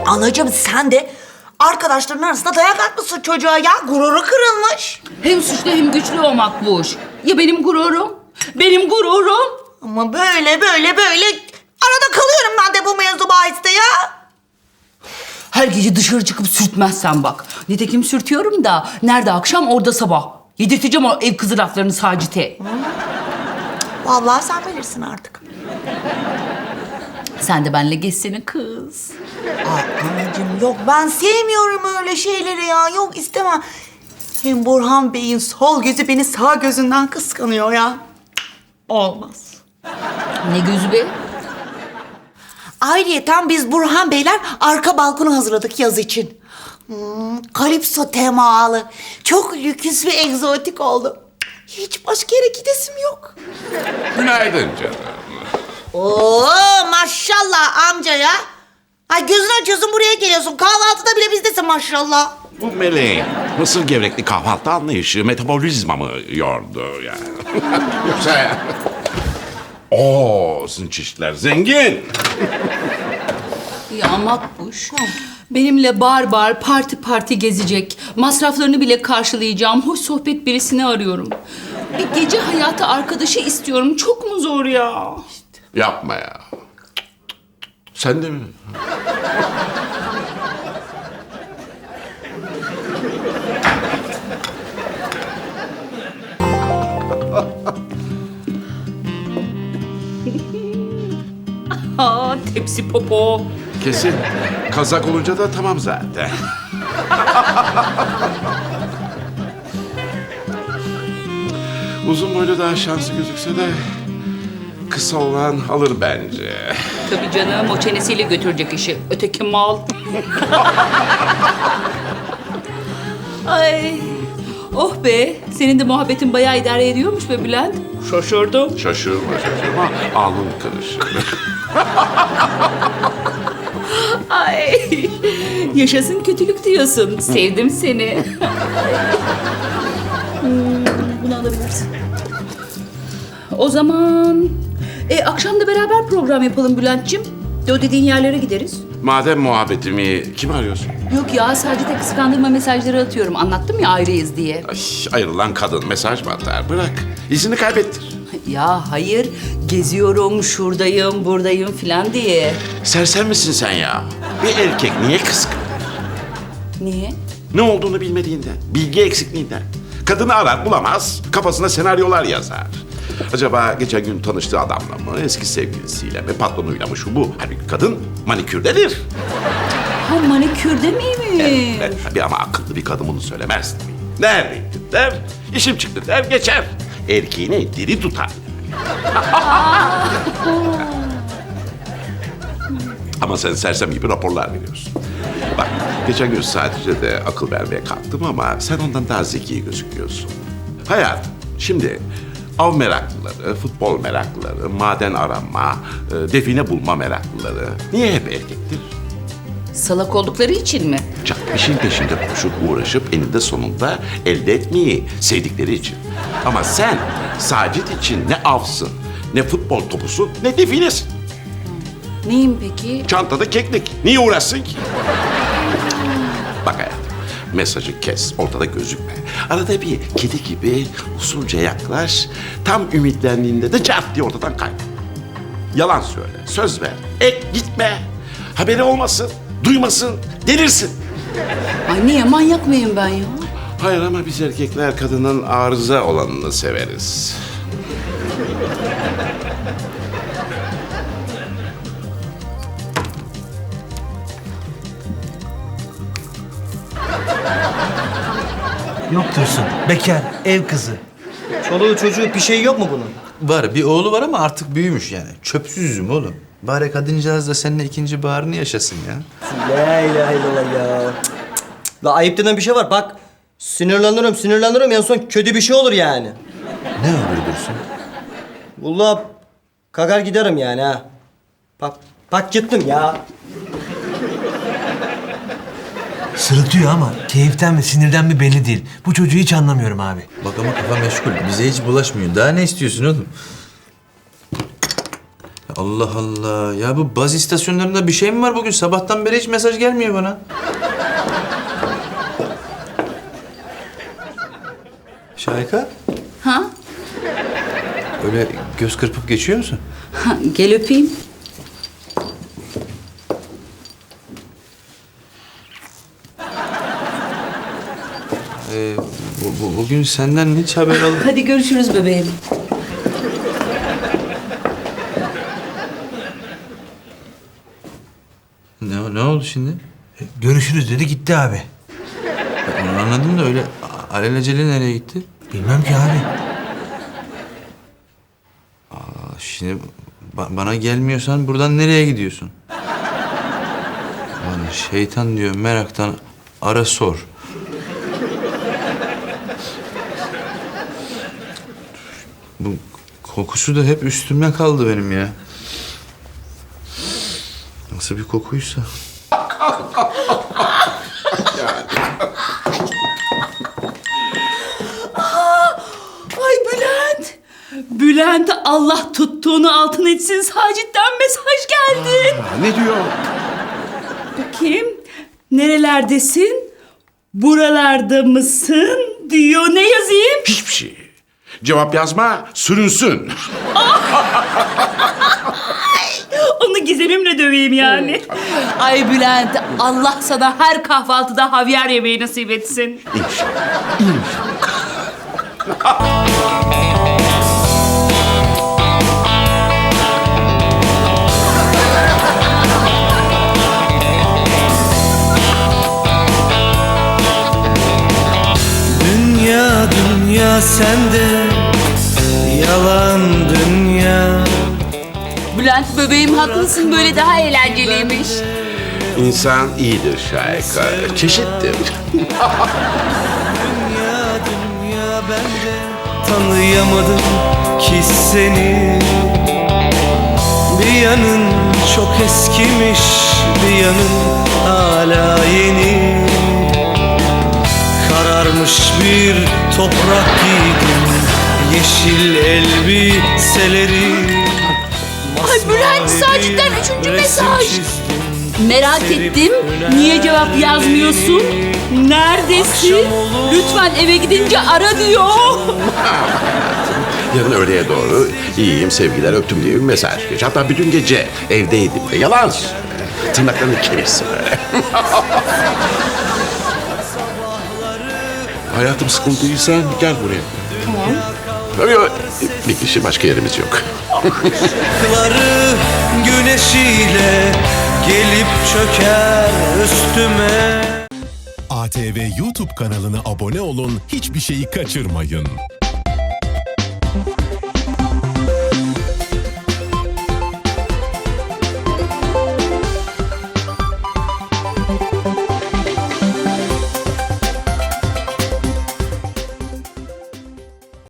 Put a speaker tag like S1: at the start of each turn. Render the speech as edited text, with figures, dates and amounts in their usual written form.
S1: Anacığım sen de arkadaşların arasında dayak atmışsın çocuğa ya. Gururu kırılmış.
S2: Hem suçlu hem güçlü o Makbuş. Ya benim gururum? Benim gururum.
S1: Ama böyle arada kalıyorum ben de bu mevzu bahiste ya.
S2: Her gece dışarı çıkıp sürtmezsen bak. Nitekim sürtüyorum da nerede akşam orada sabah. Yedirteceğim o ev kızı laflarını Sacit'e.
S1: Vallahi sen bilirsin artık.
S2: Sen de benimle geçsene kız.
S1: Ay anacığım yok ben sevmiyorum öyle şeyleri ya. Yok istemem. Hem Burhan Bey'in sol gözü beni sağ gözünden kıskanıyor ya. Olmaz.
S2: Ne gözü be?
S1: Ayrıyeten biz Burhan Beyler arka balkonu hazırladık yaz için. Kalipso temalı. Çok lüküs ve egzotik oldu. Hiç başka yere gidesim yok.
S3: Günaydın canım.
S1: Oo maşallah amca ya. Ay gözünü açıyorsun buraya geliyorsun. Kahvaltıda bile bizdesin maşallah.
S3: Bu meleğin mısır gevrekli kahvaltı anlayışı metabolizmamı yordu yani. Yoksa ya. Sizin çeşitler zengin.
S2: Ya Makbuş. Benimle bar bar, parti gezecek. Masraflarını bile karşılayacağım. Hoş sohbet birisini arıyorum. Bir gece hayatı arkadaşı istiyorum. Çok mu zor ya?
S3: Yapma ya. Sen de mi?
S2: Tepsi popo.
S3: Kesin. Kazak olunca da tamam zaten. Uzun boylu daha şanslı gözükse de kısa olan alır bence.
S2: Tabii canım, o çenesiyle götürecek işi. Öteki mal. Ay. Oh be, senin de muhabbetin bayağı idare ediyormuş be Bülent. Şaşırdım.
S3: Şaşırma. Alnın kırışır.
S2: Ay. Yaşasın kötülük diyorsun. Sevdim seni. Bunu alabilirsin. O zaman akşam da beraber program yapalım Bülent'ciğim. O dediğin yerlere gideriz.
S3: Madem muhabbetimi kim arıyorsun?
S2: Yok ya, sadece kıskandırma mesajları atıyorum. Anlattım ya ayrıyız diye.
S3: Ay, ayrılan kadın mesaj mı atar? Bırak. İzini kaybettir.
S2: Ya hayır, geziyorum, şuradayım, buradayım filan diye.
S3: Sersem misin sen ya? Bir erkek niye kıskanır?
S2: Niye?
S3: Ne olduğunu bilmediğinden, bilgi eksikliğinden. Kadını arar bulamaz, kafasına senaryolar yazar. Acaba geçen gün tanıştığı adamla mı, eski sevgilisiyle mi, patronuyla mı şu bu? Halbuki kadın manikürdedir.
S2: Ha, manikürde miymiş?
S3: Evet, tabii ama akıllı bir kadın bunu söylemez tabii. Neredeyim der, işim çıktı der, geçer. Erkeğini diri tutar. Ama sen sersem gibi raporlar veriyorsun. Bak, geçen gün sadece de akıl vermeye kalktım ama sen ondan daha zeki gözüküyorsun. Hayatım, şimdi av meraklıları, futbol meraklıları, maden arama, define bulma meraklıları niye hep erkektir?
S2: Salak oldukları için mi?
S3: Can işin peşinde koşup uğraşıp eninde sonunda elde etmeyi sevdikleri için. Ama sen Sacit için ne avsın, ne futbol topusun, ne definesin.
S2: Neyim peki?
S3: Çantada keklik. Niye uğraşsın ki? Bak hayatım, mesajı kes, ortada gözükme. Arada bir kedi gibi usulca yaklaş, tam ümitlendiğinde de cart diye ortadan kaybol. Yalan söyle, söz ver, gitme. Haberi olmasın, duymasın, delirsin.
S2: Ay niye, manyak mıyım ben ya?
S3: Hayır ama biz erkekler kadının arıza olanını severiz.
S4: Yok Dursun. Bekar, ev kızı.
S5: Çoluğu çocuğu bir şey yok mu bunun?
S6: Var, bir oğlu var ama artık büyümüş yani. Çöpsüz üzüm oğlum. Bari kadıncağız da seninle ikinci baharını yaşasın ya.
S5: La ilahe illallah ya. Cık, cık, cık. La ayıp denen bir şey var bak. Sinirlenirim en son kötü bir şey olur yani.
S6: Ne oluyor Dursun?
S5: Vallahi kakar giderim yani ha. Bak gittim ya.
S4: Sırıtıyor ama keyiften mi sinirden mi belli değil. Bu çocuğu hiç anlamıyorum abi.
S6: Bak ama kafa meşgul. Bize hiç bulaşmıyor. Daha ne istiyorsun oğlum? Ya Allah Allah. Ya bu baz istasyonlarında bir şey mi var bugün? Sabahtan beri hiç mesaj gelmiyor bana. Şahika,
S2: Ha?
S6: öyle göz kırpıp geçiyor musun?
S2: Ha, gel öpeyim.
S6: Bugün senden hiç haber aldım.
S2: Hadi görüşürüz bebeğim.
S6: Ne oldu şimdi?
S4: Görüşürüz dedi gitti abi.
S6: Onu anladım da öyle alelacele nereye gitti?
S4: Bilmem ki abi.
S6: Şimdi bana gelmiyorsan buradan nereye gidiyorsun? Bana şeytan diyor meraktan ara sor. Bu kokusu da hep üstümde kaldı benim ya. Nasıl bir kokuysa.
S2: Ay Bülent. Bülent Allah tuttuğunu altın etsin. Sacit'ten mesaj geldi.
S3: Ne diyor?
S2: Bakayım. Nerelerdesin? Buralarda mısın? Diyor. Ne yazayım?
S3: Hiçbir şey. Cevap yazma, sürünsün.
S2: Onu gizemimle döveyim yani. Ay Bülent, Allah sana her kahvaltıda havyar yemeği nasip etsin.
S7: Dünya dünya sende, yalan dünya.
S2: Bülent bebeğim haklısın, böyle daha eğlenceliymiş.
S3: İnsan iyidir Şahika, çeşittir.
S7: Dünya dünya bende, tanıyamadım ki seni. Bir yanın çok eskimiş, bir yanın hala yeni. Kararmış bir toprak giydim, yeşil elbiseleri.
S2: Ay Bülent, Sacit'ten 3. mesaj. Merak ettim, niye cevap yazmıyorsun? Neredesin? Lütfen eve gidince ara diyor.
S3: Yarın öğleye doğru iyiyim, sevgiler, öptüm diye bir mesaj geç. Hatta bütün gece evdeydim de yalan söyle. Tırnaklarını kemirsin böyle. Hayatım sıkıntıysan gel buraya. Tamam. Yok, bir kişi başka yerimiz yok.
S7: Işıkları güneşiyle gelip çöker üstüme.
S8: ATV YouTube kanalına abone olun, hiçbir şeyi kaçırmayın.